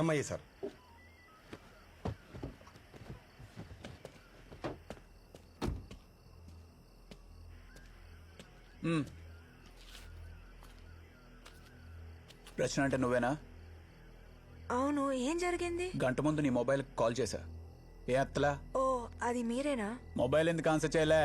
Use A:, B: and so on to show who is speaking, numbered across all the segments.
A: EMI sir.
B: రచన అంటే నువ్వేనా?
C: అవును, ఏం జరిగింది?
B: గంట ముందు నీ మొబైల్ కాల్ చేశా, ఏ అత్తలా?
C: ఓ, అది మీరేనా?
B: మొబైల్ ఎందుకు ఆన్సర్ చేయలే?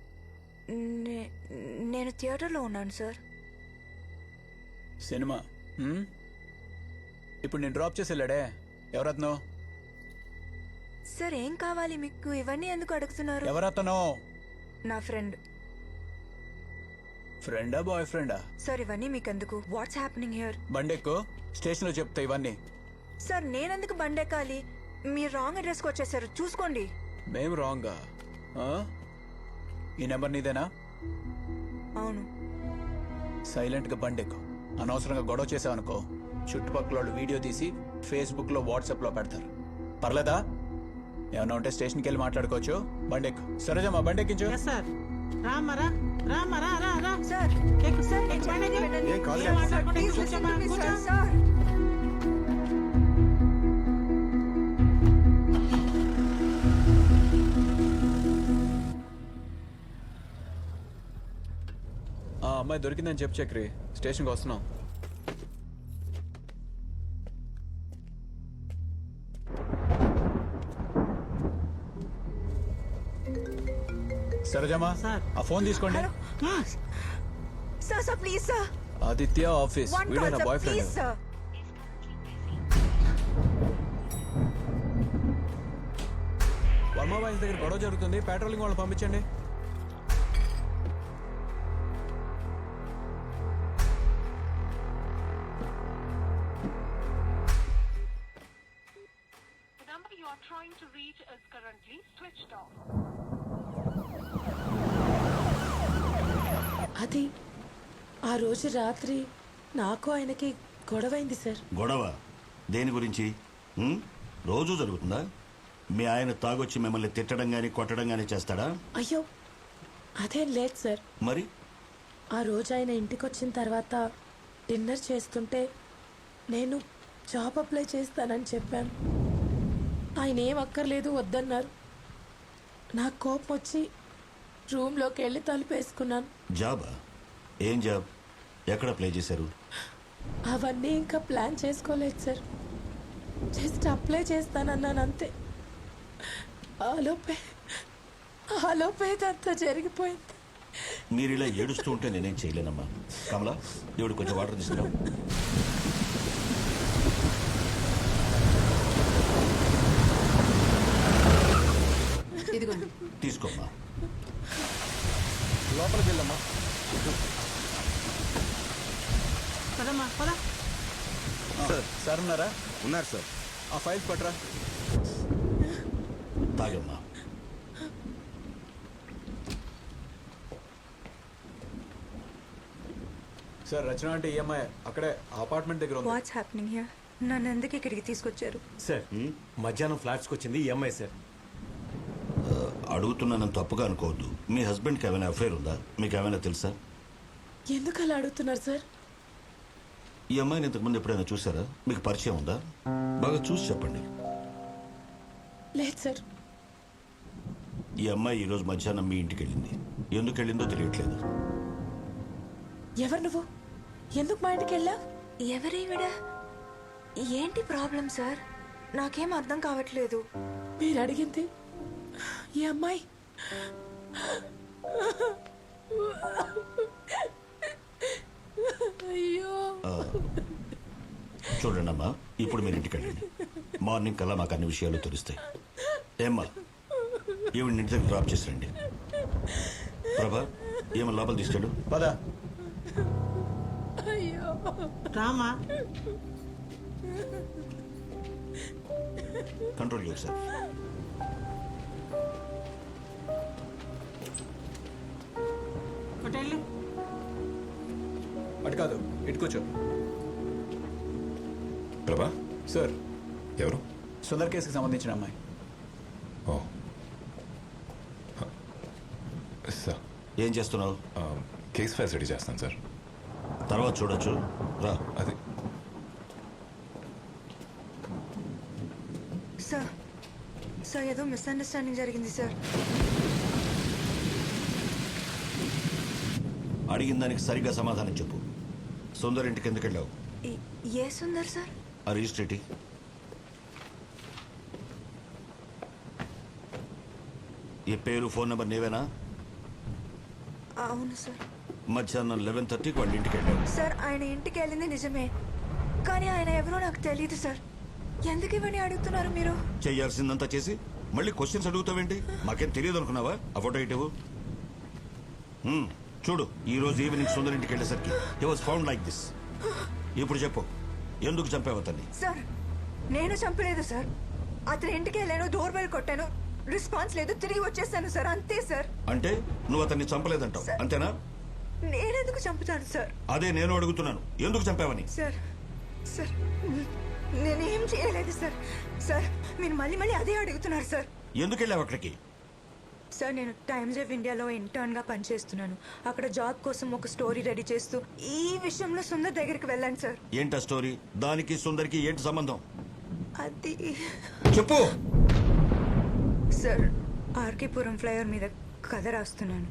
C: నేను థియేటర్లో ఉన్నాను సార్.
B: సినిమా ఇప్పుడు నేను డ్రాప్ చేసి వెళ్ళాడే, ఎవరతను?
C: సార్ ఏం కావాలి మీకు? ఇవన్నీ ఎందుకు అడుగుతున్నారు?
B: ఎవరతను?
C: నా ఫ్రెండ్.
B: ఫ్రెండా బాయ్ ఫ్రెండా?
C: సార్ ఇవన్నీ మీకెందుకు? Watts happening here?
B: బండెక్కు, స్టేషన్లో చెప్తా ఇవన్నీ.
C: సార్ నేనెందుకు బండెక్కాలి? మీరు రాంగ్ అడ్రస్కి వచ్చేసారు, చూసుకోండి.
B: మేం రాంగా? ఈ నెంబర్ నీదేనా?
C: అవును.
B: సైలెంట్గా బండెక్కు. అనవసరంగా గొడవ చేసావనుకో, చుట్టుపక్కల వాళ్ళు వీడియో తీసి ఫేస్బుక్లో వాట్సాప్లో పెడతారు. పర్లేదా? ఏమన్నా ఉంటే స్టేషన్కి వెళ్ళి మాట్లాడుకోవచ్చు. బండెక్కు. సరేజమ్మా, బండెక్కించు.
C: సార్
A: ఏం కాదు.
C: Please listen to me sir.
B: ఆ అమ్మాయి దొరికిందని చెప్పు చక్రి, స్టేషన్కి వస్తున్నాం. సరేజమ్మా, ఆ ఫోన్ తీసుకోండి.
C: Sir please sir.
B: Aditya office, వీడే నా boy friend.
C: Please sir.
B: Varma boys దగ్గర గొడవ జరుగుతుంది, పెట్రోలింగ్ వాళ్ళని పంపించండి.
D: Trying to reach is currently switched off.
E: అది ఆ రోజు రాత్రి నాకు ఆయనకి గొడవైంది సార్.
F: గొడవ దేని గురించి? రోజు జరుగుతుందా? మీ ఆయన తాగొచ్చి మిమ్మల్ని తిట్టడం గానీ కొట్టడం గానీ చేస్తాడా?
E: అయ్యో అదేం లేదు సార్.
F: మరి
E: ఆ రోజు ఆయన ఇంటికి వచ్చిన తర్వాత డిన్నర్ చేస్తుంటే నేను జాబ్ అప్లై చేస్తానని చెప్పాను. ఆయన ఏం అక్కర్లేదు వద్దన్నారు. నాకు కోపం వచ్చి రూమ్లోకి వెళ్ళి తలుపేసుకున్నాను.
F: జాబా? ఏం జాబ్? ఎక్కడ అప్లై చేశారు?
E: అవన్నీ ఇంకా ప్లాన్ చేసుకోలేదు సార్. జస్ట్ అప్లై చేస్తానన్నాను అంతే. ఆలోపే ఇదంతా జరిగిపోయింది.
F: మీరు ఇలా ఏడుస్తూ ఉంటే నేనేం చేయలేనమ్మా. కమలా, దేవుడు కొంచెం వాటర్ తీసుకురా. తీసుకోమ్మా.
A: లోపలికి వెళ్ళమ్మా.
B: సార్ ఉన్నారా?
A: ఉన్నారు సార్.
B: ఆ ఫైల్స్ పట్టరా.
F: తాగమ్మా.
B: సార్ రచన అంటే ఈఎంఐ అక్కడే అపార్ట్మెంట్ దగ్గర ఉంది.
C: What's happening here? నన్ను ఎందుకు ఇక్కడికి తీసుకొచ్చారు?
G: సార్ మధ్యాహ్నం ఫ్లాట్స్కి వచ్చింది ఈఎంఐ సార్.
F: అడుగుతున్నానని తప్పుగా అనుకోవద్దు. మీ హస్బెండ్కి ఏమైనా అఫైర్ ఉందా? మీకు ఏమైనా తెలుసా?
E: ఎందుకు అలా అడుగుతున్నారు సార్?
F: ఈ అమ్మాయిని ఇంతకుముందు ఎప్పుడైనా చూసారా? మీకు పరిచయం ఉందా? బాగా చూసి చెప్పండి.
E: లేదు సార్.
F: ఈ అమ్మాయి ఈరోజు మధ్యాహ్నం మీ ఇంటికి వెళ్ళింది. ఎందుకు వెళ్ళిందో తెలియట్లేదు.
E: ఎవరు నువ్వు? ఎందుకు మా ఇంటికి వెళ్ళా?
C: ఎవరేవిడ? ఏంటి ప్రాబ్లం సార్? నాకేం అర్థం కావట్లేదు.
E: మీరు అడిగింది ఈ అమ్మాయి. అయ్యో.
F: చూడండి అమ్మా, ఇప్పుడు మీరు ఇంటికి వెళ్ళండి. మార్నింగ్ కల్లా మాకు అన్ని విషయాలు తెలుస్తాయి. ఏమ్మా, ఈవిడ ఇంటి దగ్గర డ్రాప్ చేసి రండి. ప్రభా, ఏమో లోపల తీసుకెళ్ళు.
B: పదా.
E: అయ్యో
D: రామా.
F: Control your self.
B: అటు కాదు, ఇటు కూర్చో.
H: ప్రభా
B: సార్,
H: ఎవరు?
B: సుందర్ కేసుకి సంబంధించిన అమ్మాయి.
H: ఓ సార్,
F: ఏం చేస్తున్నావు?
H: కేస్ ఫైల్స్ రెడీ చేస్తాను సార్.
F: తర్వాత చూడొచ్చు, రా.
H: అది
C: సార్ ఏదో మిస్అండర్స్టాండింగ్ జరిగింది సార్.
F: అడిగిన దానికి సరిగ్గా సమాధానం చెప్పు. సుందర్ ఇంటికి ఎందుకు వెళ్ళావు?
C: ఏ సుందర్ సార్?
F: ఆ రిజిస్ట్రేటి ఈ పేరు ఫోన్ నెంబర్ నీవేనా?
C: అవును సార్.
F: మధ్యాహ్నం 11:30కి వాళ్ళ ఇంటికి వెళ్ళావు.
C: సార్ ఆయన ఇంటికి వెళ్ళింది నిజమే, కానీ ఆయన ఎవరో నాకు తెలియదు సార్. ఎందుకు ఇవన్నీ అడుగుతున్నారు మీరు?
F: చెయ్యాల్సిందంతా చేసి మళ్ళీ క్వశ్చన్స్ అడుగుతావేంటి? మాకేం తెలియదు అనుకున్నావా? ఆ ఫోటో ఇటు చూడు. ఈ రోజు ఈవినింగ్ సుందర్ ఇంటికి వెళ్ళేసరికి he was found like this. ఇప్పుడు చెప్పు, ఎందుకు చంపావు అతన్ని?
C: సార్ నేను చంపలేదు సార్. అతని ఇంటికి వెళ్ళాను, డోర్ బెల్ కొట్టాను, రెస్పాన్స్ లేదు, తిరిగి వచ్చేసాను సార్, అంతే సార్.
F: అంటే నువ్వు అతన్ని చంపలేదంటావు, అంతేనా?
C: నేనెందుకు చంపుతాను సార్?
F: అదే నేను అడుగుతున్నాను, ఎందుకు చంపావని.
C: సార్ సార్ నేనేం చేయలేదు సార్. సార్ మీరు మళ్ళీ మళ్ళీ అదే అడుగుతున్నారు సార్.
F: ఎందుకు వెళ్ళావు అక్కడికి?
C: సార్ నేను టైమ్స్ ఆఫ్ ఇండియాలో ఇంటర్న్గా పనిచేస్తున్నాను. అక్కడ జాబ్ కోసం ఒక స్టోరీ రెడీ చేస్తూ ఈ విషయంలో సుందర్ దగ్గరికి వెళ్ళాను సార్.
F: ఏంటా స్టోరీ? దానికి సుందర్కి ఏంటి సంబంధం?
C: అది
F: చెప్పు.
C: సార్ ఆర్కేపురం ఫ్లైఓవర్ మీద కథ రాస్తున్నాను.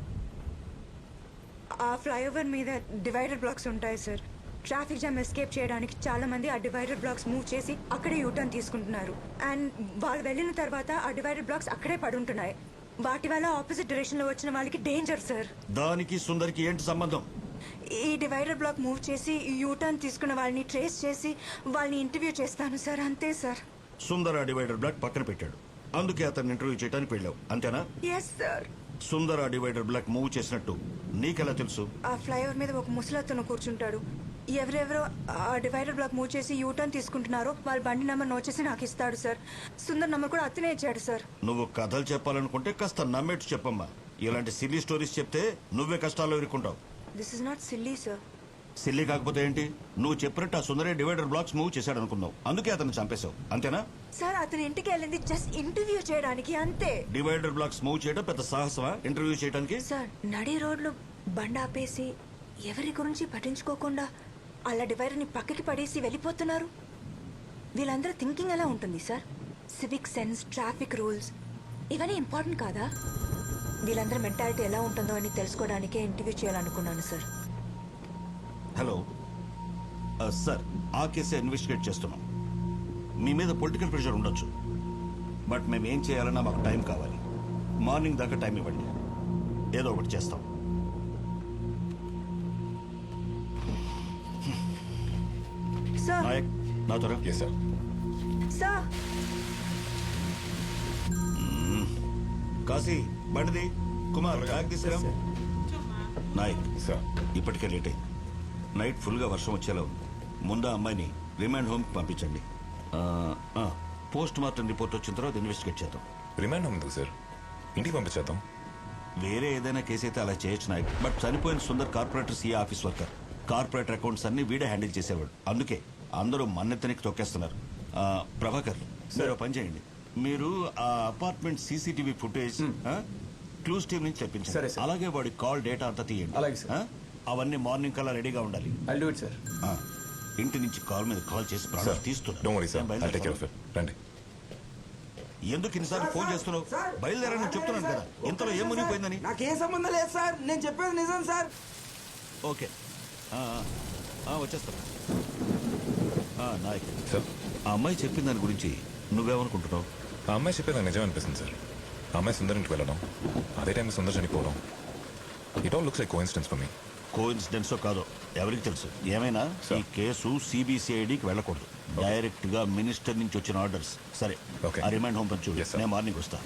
C: ఆ ఫ్లైఓవర్ మీద డివైడర్ బ్లాక్స్ ఉంటాయి సార్. ట్రాఫిక్ జామ్ ఎస్కేప్ చేయడానికి చాలా మంది ఆ డివైడర్ బ్లాక్స్ మూవ్ చేసి అక్కడే యూటర్న్ తీసుకుంటున్నారు. అండ్ వాళ్ళు వెళ్ళిన తర్వాత ఆ డివైడర్ బ్లాక్స్ అక్కడే పడుంటున్నాయి. వాటి వల్ల ఆపోజిట్ డైరెక్షన్ లో వచ్చిన వాళ్ళకి డేంజర్ సార్.
F: దానికి సుందర్కి ఏంటి సంబంధం?
C: ఈ డివైడర్ బ్లాక్ మూవ్ చేసి యూటర్న్ తీసుకున్న వాళ్ళని ట్రేస్ చేసి వాళ్ళని ఇంటర్వ్యూ చేస్తాను సార్, అంతే సార్.
F: సుందర్ ఆ డివైడర్ బ్లాక్ పక్కన పెట్టాడు, అందుకే అతన్ని ఇంటర్వ్యూ చేయడానికి వెళ్ళావు, అంతేనా?
C: Yes sir.
F: సుందర్ ఆ డివైడర్ బ్లాక్ మూవ్ చేసినట్టు నీకెలా తెలుసు?
C: ఆ ఫ్లైఓవర్ మీద ఒక ముసలతను కూర్చుంటాడు. ఎవరెవరో ఆ డివైడర్ బ్లాక్ మూవ్ చేసి యూటర్న్ తీసుకుంటున్నారో వాళ్ళ బండి నెంబర్ నోట్ చేసి నాకు ఇస్తాడు సార్. సుందర్ నెంబర్ కూడా అతనే ఇచ్చాడు సార్.
F: నువ్వు కథలు చెప్పాలనుకుంటే కాస్త నమ్మేట్టు చెప్పమ్మా. ఇలాంటి సిల్లీ స్టోరీస్ చెప్తే నువ్వే కష్టాల్లో ఇరుక్కుంటావు.
C: This is not silly sir.
F: Silly కాకపోతే ఏంటి? నువ్వు చెప్పినట్టు ఆ సుందరే డివైడర్ బ్లాక్స్ మూవ్ చేశాడు అనుకున్నావు, అందుకే అతను చంపేశావు, అంతేనా?
C: సార్ అతని ఇంటికి వెళ్ళింది జస్ట్ ఇంటర్వ్యూ చేయడానికి, అంతే.
F: డివైడర్ బ్లాక్స్ మూవ్ చేయడం పెద్ద సాహసమా ఇంటర్వ్యూ చేయడానికి?
C: సార్ నడి రోడ్లు బండి ఆపేసి ఎవరి గురించి పట్టించుకోకుండా అలా డివైడర్ని పక్కకి పడేసి వెళ్ళిపోతున్నారు. వీళ్ళందరూ థింకింగ్ ఎలా ఉంటుంది sir? Civic sense, traffic rules ఇవన్నీ ఇంపార్టెంట్ కాదా? వీళ్ళందరూ మెంటాలిటీ ఎలా ఉంటుందో అని తెలుసుకోవడానికే ఇంటర్వ్యూ చేయాలనుకున్నాను సార్.
F: హలో సార్, ఆ కేసే ఇన్వెస్టిగేట్ చేస్తున్నాం. మీ మీద పొలిటికల్ ప్రెషర్ ఉండొచ్చు, బట్ మేము ఏం చేయాలన్నా మాకు టైం కావాలి. మార్నింగ్ దాకా టైం ఇవ్వండి, ఏదో ఒకటి చేస్తాం.
C: సార్
F: నాయక్, నా త్వర.
H: Yes sir.
C: సార్
F: కాశీ, బండిది. కుమార్, బ్యాగ్ తీసుకురా. నాయక్,
H: సార్.
F: ఇప్పటికే లేట్ అయింది. నైట్ ఫుల్గా వర్షం వచ్చేలా ఉంది. ముందు ఆ అమ్మాయిని రిమాండ్ హోమ్కి పంపించండి. పోస్ట్ మార్టం రిపోర్ట్ వచ్చిన తర్వాత ఇన్వెస్టిగేట్ చేద్దాం.
H: రిమాండ్ హోమ్ ఎందుకు సార్? ఇంటికి పంపించేద్దాం.
F: వేరే ఏదైనా కేసు అయితే అలా చేయొచ్చు నాయక్, బట్ చనిపోయిన Sundar corporator CA office worker. Corporator accounts అన్ని వీడే హ్యాండిల్ చేసేవాడు, అందుకే అందరూ మన్నెత్తనికి తొక్కేస్తున్నారు. ప్రభాకర్, మీరు పని చేయండి. మీరు ఆ apartment CCTV footage clues team నుంచి
B: సరే,
F: తెప్పించండి.
B: సార్.
F: అలాగే వాడి కాల్ డేటా అంతా తీయండి.
B: అలాగే, సార్.
F: ఆ? అవన్నీ మార్నింగ్ కల్లా రెడీగా ఉండాలి.
B: I'll do it sir.
F: ఆ, ఇంటి నుంచి కాల్ మీద కాల్ చేసి ప్రాణాలు తీస్తున్నా.
H: Don't worry sir, I'll take care of it. రండి.
F: ఎందుకు ఇన్నిసార్లు ఫోన్ చేస్తున్నావు? బయలుదేరని చెప్తున్నాను కదా, ఇంతలో ఏం మునిగిపోయిందని.
A: నాకేం సంబంధం లేదు సార్, నేను చెప్పేది నిజం సార్.
F: ఓకే, వచ్చేస్తాను. నాయక్
H: సార్,
F: ఆ అమ్మాయి చెప్పిన దాని గురించి నువ్వేమనుకుంటున్నావు?
H: ఆ అమ్మాయి చెప్పేది నాకు నిజం అనిపిస్తుంది సార్. ఆ అమ్మాయి సుందర్ ఇంటికి వెళ్ళడం, అదే టైంలో సుందర్ చనిపోవడం, it all looks like coincidence for me.
F: కోఇన్సిడెన్సో కాదో ఎవరికి తెలుసు. ఏమైనా ఈ కేసు సిబిసిఐడికి వెళ్ళకూడదు, డైరెక్ట్ గా మినిస్టర్ నుంచి వచ్చిన ఆర్డర్స్. సరే,
H: Okay.
F: ఆ రిమైండ్ హోమ్ పంచు.
H: Yes, sir.
F: నేను మార్నింగ్ వస్తా.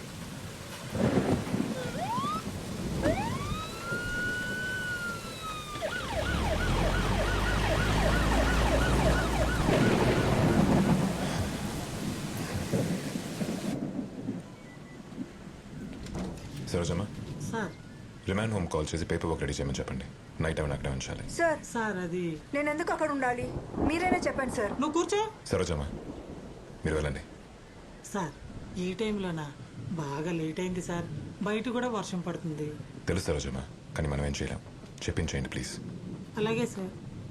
H: Sarojamma,
A: sir
H: remand home call చేసి పేపర్ వర్క్ రెడీ చేయమని చెప్పండి. నైట్ టైం అక్కడే ఉంచాలి.
C: సార్
A: సార్ అది
C: నేను ఎందుకు అక్కడ ఉండాలి? మీరైనా చెప్పండి సార్.
A: నువ్వు కూర్చో.
H: సరోజమ్మ, మీరు వెళ్ళండి.
A: సార్ ఈ టైంలోనా? బాగా లేట్ అయింది సార్, బయట కూడా వర్షం పడుతుంది.
H: తెలుసు సరోజమ్మ, కానీ మనం ఏం చేయలేం. చెప్పించేయండి ప్లీజ్.
A: అలాగే సార్.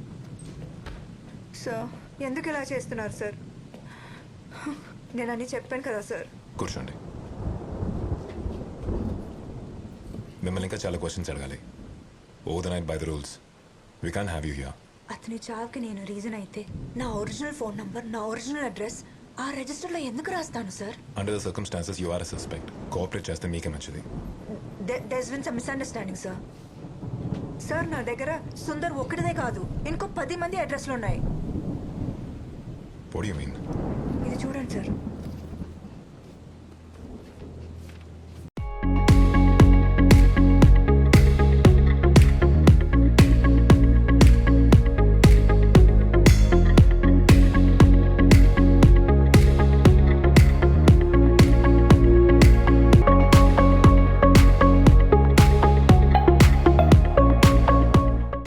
C: సార్ ఎందుకు ఇలా చేస్తున్నారు సార్? నేను అన్నీ చెప్పాను కదా సార్.
H: కూర్చోండి. మిమ్మల్ని ఇంకా చాలా క్వశ్చన్స్ అడగాలి. Over the night by the rules we can have you here.
C: అతని చావుకి నేను రీజన్ అయితే నా ఒరిజినల్ ఫోన్ నంబర్, నా ఒరిజినల్ అడ్రస్ ఆ రిజిస్టర్లో ఎందుకు రాస్తాను sir?
H: Under the circumstances you are a suspect. Cooperate చేస్తే మీకే మంచిది.
C: There's been some misunderstanding sir. Sir నా దగ్గర సుందర్ ఒక్కడిదే కాదు, ఇంకో 10 మంది అడ్రస్లు ఉన్నాయి.
H: What you mean?
C: ఇది చూడండి సార్.